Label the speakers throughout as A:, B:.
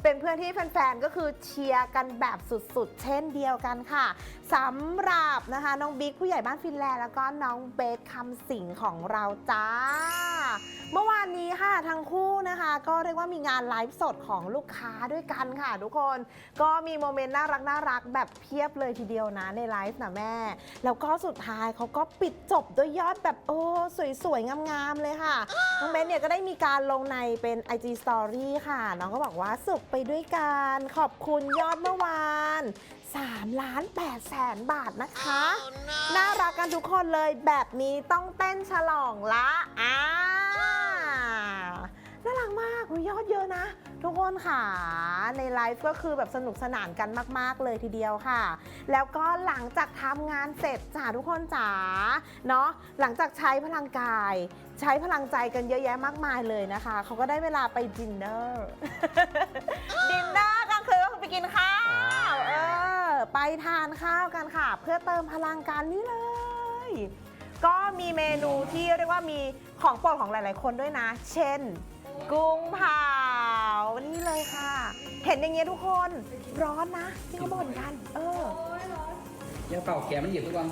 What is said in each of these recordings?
A: เป็นเพื่อนที่แฟนๆก็คือเชียร์กันแบบสุดๆเช่นเดียวกันค่ะสำหรับนะคะน้องบิ๊กผู้ใหญ่บ้านฟินแลนด์แล้วก็น้องเบสคำสิงของเราจ้าเมื่อวานนี้ค่ะทั้งคู่นะคะก็เรียกว่ามีงานไลฟ์สดของลูกค้าด้วยกันค่ะทุกคนก็มีโมเมนต์น่ารักแบบเพียบเลยทีเดียวนะในไลฟ์นะแม่แล้วก็สุดท้ายเขาก็ปิดจบด้วยยอดแบบสวยๆงามๆเลยค่ะน้องเบสเนี่ยก็ได้มีการลงในเป็น IG Story ค่ะน้องก็บอกว่าสุขไปด้วยกันขอบคุณยอดเมื่อวาน3,800,000 บาทนะคะ น่ารักกันทุกคนเลยแบบนี้ต้องเต้นฉลองละน่ารักมากยอดเยอะนะทุกคนค่ะในไลฟ์ก็คือแบบสนุกสนานกันมากๆเลยทีเดียวค่ะแล้วก็หลังจากทำงานเสร็จจ้าทุกคนจ๋าเนาะหลังจากใช้พลังกายใช้พลังใจกันเยอะแยะมากมายเลยนะคะเขาก็ได้เวลาไปดินเนอร์ ดินเนอร์ก็คือไปกินข้าวไปทานข้าวกันค่ะเพื่อเติมพลังกันนี่เลยก็มีเมนูที่เรียกว่ามีของโปรดของหลายๆคนด้วยนะเช่นกุ้งเผานี่เลยค่ะเห็นอย่างเงี้ยทุกคนร้อนนะที่เขาบ่นกัน
B: ยังเป่าแขนมันเหยียบทุกวัน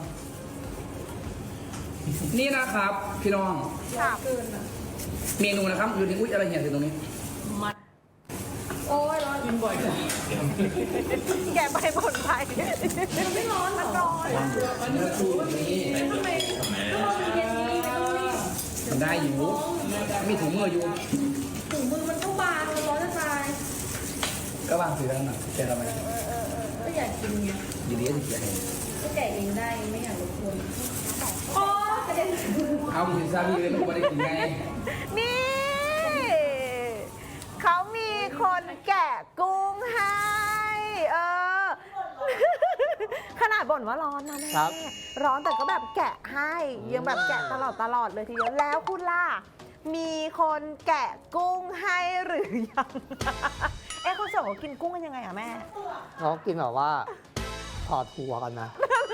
B: นี่นะครับพี่น้องเมนูนะครับอยู่ในอุ้ยอะไรเหี่ยอยู่ตรงนี้
C: มัดโอ้ยร้อนกินบ่อยจัง
A: แกไปบ่นไป
C: มันไม่ร้อนมันร้อน
B: มันจะชูนี้
C: ทำไมเย็นนี้
B: มันได้อยู่มีถุงมืออยู่
C: ถุงมือมันก็บางมันร้อนจะตาย
B: ก็วางสีแล้วนะแกทำไม
C: ก็อยากกินไง
B: ดีดีที่แก
C: ก็แกะเองได้ไม่อยากรบกวนโอ้กระเด็น
B: เอาถึงซาบีเลยมันไม่ได้กินไง
A: นี่เขามีคนแกะกุ้งให้ขนาดบ่นว่าร้อนนะแม่ร้อนแต่ก็แบบแกะให้ยังแบบแกะตลอดเลยทีเดียวแล้วคุณล่ะมีคนแกะกุ้งให้หรือยังเขาส่งเขากินกุ้งกันยังไงอะแม่
D: เขากินแบบว่าถอดหัวกันนะ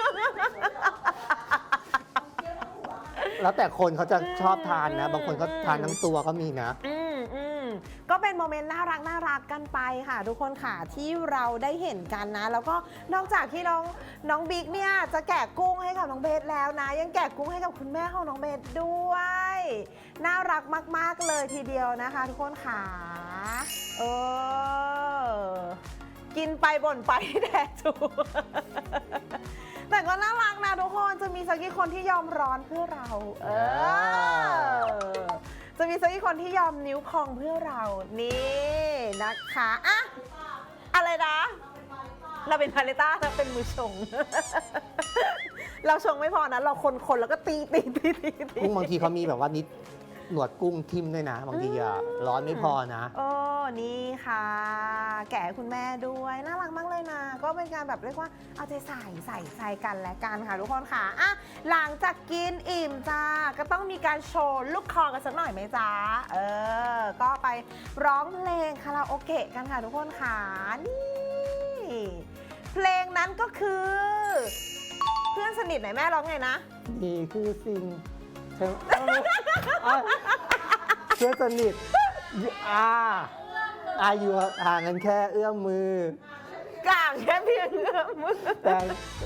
D: แล้วแต่คนเขาจะชอบทานนะบางคนก็ทานทั้งตัวก็มีนะ
A: ก็เป็นโมเมนต์น่ารักกันไปค่ะทุกคนค่ะที่เราได้เห็นกันนะแล้วก็นอกจากที่น้องบิ๊กเนี่ยจะแกะกุ้งให้กับน้องเบสแล้วนะยังแกะกุ้งให้กับคุณแม่ของน้องเบสด้วยน่ารักมากๆเลยทีเดียวนะคะทุกคนค่ะกินไปบ่นไปแดดถูแต่ก็น่ารักนะทุกคนจะมีสักกี่คนที่ยอมร้อนเพื่อเราจะมีสักกี่คนที่ยอมนิ้วคองเพื่อเรานี่นะคะอะไรนะเราเป็นพาเลต้าเราเป็นมือชง เราชงไม่พอนะเราคนแล้วก็ตี
D: กุ้งบางทีเขามีแบบว่านิดหนวดกุ้งทิ่มด้วยนะบางทีร้อนไม่พอนะ
A: นี่ค่ะแกะคุณแม่ด้วยน่ารักมากเลยนะก็เป็นการแบบเรียกว่าเอาใจใส่กันและกันค่ะทุกคนค่ะหลังจากกินอิ่มจ้าก็ต้องมีการโชว์ลูกคอกันสักหน่อยไหมจ้าก็ไปร้องเพลงคาราโอเกะกันค่ะทุกคนค่ะนี่เพลงนั้นก็คือเพื่อนสนิทไหนแม่ร้องไงนะ
D: นี่คือสิ่งเพื่อนสนิทอยู่ห่างกันแค่เอื้อมมื
A: อกลางแค่เพียงเอื้อมมือ
D: แต่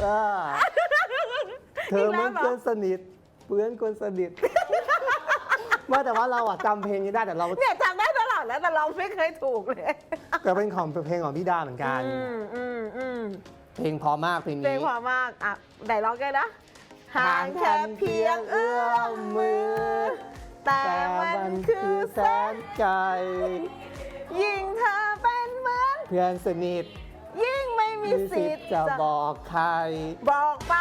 D: เธอมันเพื่อนสนิทเพื่อนคนสนิทว่าแต่ว่าเราจำเพลงนี้ได้แต่เรา
A: เนี่ยจำได้ตลอดแล้วแต่เราไม่เคยถูกเลย
D: แต่เป็นของเพลงของพี่ดาเหมือนกันเพลงพอมากเพลงนี้
A: เพลงพอมากไหนร้องกันนะห่างแค่เพียงเอื้อมมือแต่มันคือแสนไกลยิ่งเธอเป็นเหมือน
D: เพื่อนสนิท
A: ยิ่งไม่มีสิทธิ์
D: จะบอกใคร
A: บอกไป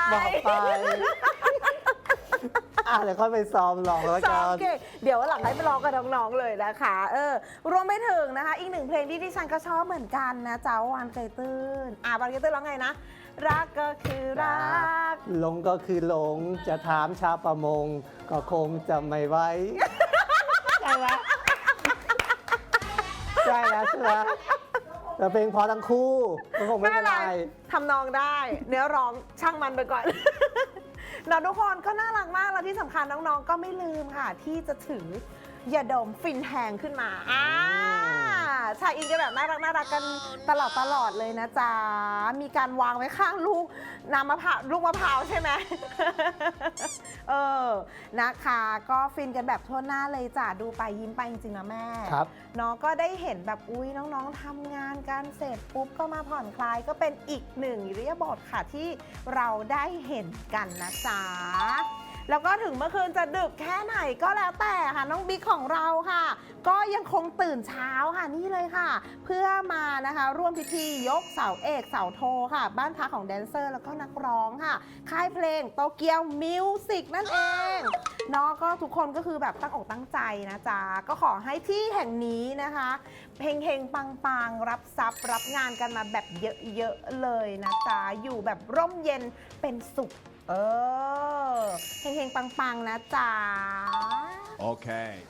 D: เดี๋ยวค่อยไปซ้อมร้องแล้วกัน
A: เดี๋ยวหลังให้ไปร้องกับน้องๆเลยนะคะรวมไปถึงนะคะอีกหนึ่งเพลงที่ดิฉันก็ชอบเหมือนกันนะเจ้าวานเกยตื้นวานเกยตื้นร้องไงนะรักก็คือรัก
D: หลงก็คือหลงจะถามชาวประมงก็คงจะไม่ไว้ใช่ไหมใช่แล้วใช่ไหมแต่เพลงพอทั้งคู่ก็คงไม่เป็นไร
A: ทำนองได้เนื้อร้องช่างมันไปก่อนทุกคนก็น่ารักมากแล้วที่สำคัญน้องๆก็ไม่ลืมค่ะที่จะถือยาดมฟินแฮงขึ้นมาชายอินกันแบบน่ารักกันตลอดเลยนะจ๊ะมีการวางไว้ข้างลูกน้ำมะพร้าวลูกมะพร้าวใช่ไหม นะคะก็ฟินกันแบบทั่วหน้าเลยจ้ะดูไปยิ้มไปจริงๆนะแม่
D: ครับ
A: น้องก็ได้เห็นแบบอุ้ยน้องๆทำงานกันเสร็จปุ๊บก็มาผ่อนคลายก็เป็นอีกหนึ่งอิริยาบถค่ะที่เราได้เห็นกันนะจ๊ะแล้วก็ถึงเมื่อคืนจะดึกแค่ไหนก็แล้วแต่ค่ะน้องบิ๊กของเราค่ะ ก็ยังคงตื่นเช้าค่ะนี่เลยค่ะ เพื่อมานะคะร่วมพิธียกเสาเอกเสาโทค่ะ บ้านพักของแดนเซอร์แล้วก็นักร้องค่ะ ค่ายเพลงโตเกียวมิวสิกนั่นเองเนาะก็ทุกคนก็คือแบบตั้งอกตั้งใจนะจ๊ะก็ขอให้ที่แห่งนี้นะคะเฮงๆปังๆรับทรัพย์รับงานกันมาแบบเยอะๆเลยนะจ๊ะอยู่แบบร่มเย็นเป็นสุขเฮงๆปังๆนะจ๊ะ
E: Okay.